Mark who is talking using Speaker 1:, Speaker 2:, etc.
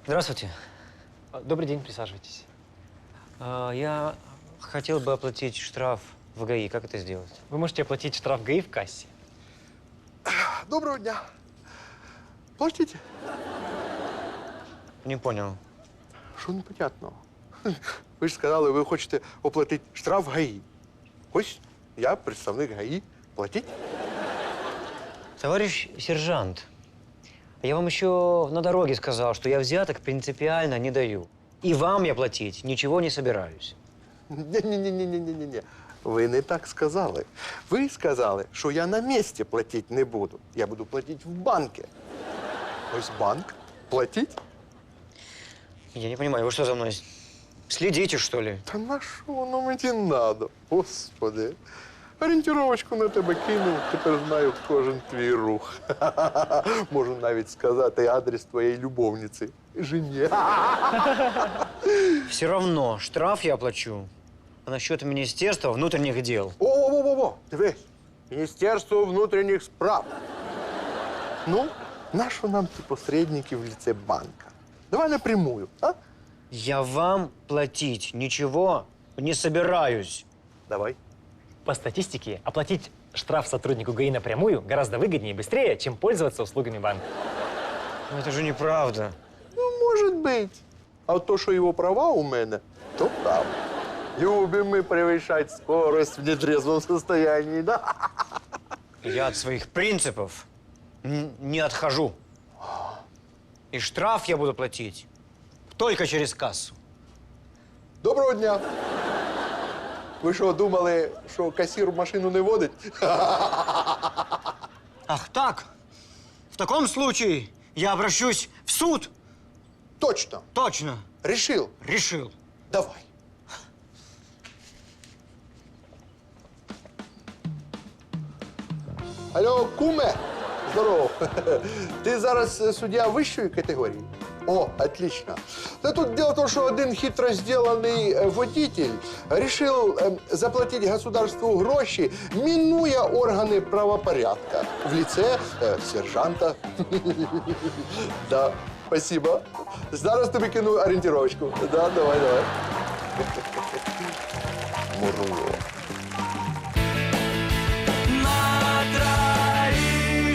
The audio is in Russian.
Speaker 1: Здравствуйте.
Speaker 2: Добрый день, присаживайтесь.
Speaker 1: Я хотел бы оплатить штраф в ГАИ. Как это сделать?
Speaker 2: Вы можете оплатить штраф ГАИ в кассе.
Speaker 3: Доброго дня. Платите.
Speaker 1: Не понял.
Speaker 3: Що непонятного? Ви ж сказали, ви хочете оплатити штраф ГАІ. Ось я представник ГАІ. Платіть.
Speaker 1: Товарищ сержант, я вам еще на дороге сказал, что я взяток принципиально не даю. И вам я платить ничего не собираюсь.
Speaker 3: Ні-ні-ні-ні-ні-ні. Ви не так сказали. Ви сказали, що я на місці платити не буду. Я буду платити в банку. Ось банк. Платіть.
Speaker 1: Я не понимаю, вы что за мной следите, что ли?
Speaker 3: Та на що воно мені надо? Господи. Орієнтировочку на тебе кинув, тепер знаю кожен твій рух. Можу навіть сказати адрес твоєї любовниці. Жені.
Speaker 1: Все равно штраф я оплачу. А насчет Министерства внутренних дел.
Speaker 3: О-о-о-о! Дивись. Міністерство внутрішніх справ. Ну, нащо нам ті посередники в ліце банка? Давай напрямую, а?
Speaker 1: Я вам платить ничего не собираюсь.
Speaker 3: Давай.
Speaker 2: По статистике, оплатить штраф сотруднику ГАИ напрямую гораздо выгоднее и быстрее, чем пользоваться услугами банка.
Speaker 1: Но это же неправда.
Speaker 3: Ну, может быть. А то, що його права у мене, то правда. Любим мы превышать скорость в нетрезвом состоянии, да?
Speaker 1: Я от своих принципов не отхожу. И штраф я буду платить только через кассу.
Speaker 3: Доброго дня. Ви що, думали, що касір в машину не водить?
Speaker 1: Ах так? В таком случае я обращусь в суд.
Speaker 3: Точно.
Speaker 1: Точно.
Speaker 3: Решил.
Speaker 1: Решил.
Speaker 3: Давай. Алло, куме. Здорово. Ти зараз суддя вищої категорії? О, отлично. Да тут дело в том, что один хитро сделанный водитель решил заплатить государству гроши, минуя органы правопорядка в лице сержанта. Да, спасибо. Зараз тобі кину ориентировочку. Да, давай. Мурло.